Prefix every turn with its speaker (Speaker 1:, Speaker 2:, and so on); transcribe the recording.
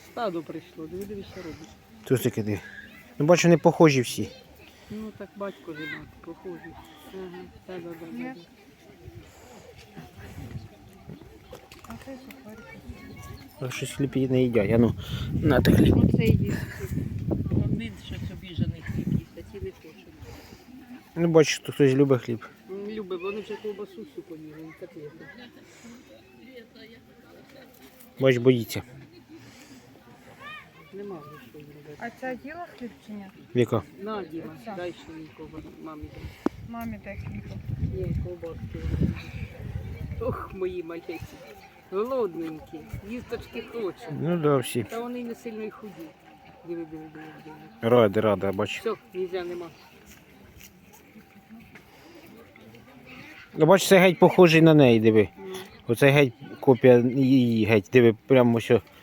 Speaker 1: Стадо прийшло, диви, що робить.
Speaker 2: Тут таке диви. Ну бачу, не похожі всі.
Speaker 1: Ну так батько жена, похожий. Ага, да.
Speaker 3: А це сухарики.
Speaker 2: А щось хліб не їдять. А ну, на ти хліб.
Speaker 1: Оце їсть. Один щось обіжений хліб їсть, а ті не хочуть.
Speaker 2: Ну бачиш, тут хтось любить хліб.
Speaker 1: Любить, вони вже ковбасу всю поїли, і котлети.
Speaker 2: Бач, боїться.
Speaker 1: Нема вже що робити.
Speaker 3: А ця їла хліб чи ні?
Speaker 2: Віка.
Speaker 1: На, Діма,
Speaker 3: Оця.
Speaker 1: дай ще мені ковбасу, мамі дай.
Speaker 3: Мамі дай хліба.
Speaker 1: Є ковбаски. Ох, мої маленькі. Голодненькі, їсточки хочуть.
Speaker 2: Ну да, всі.
Speaker 1: Та вони й не сильно й худі. Диви.
Speaker 2: Рада, бач.
Speaker 1: Все, нельзя, нема.
Speaker 2: Ну бач, це геть похожий на неї, диви. Оце геть копія її, геть, диви, прямо все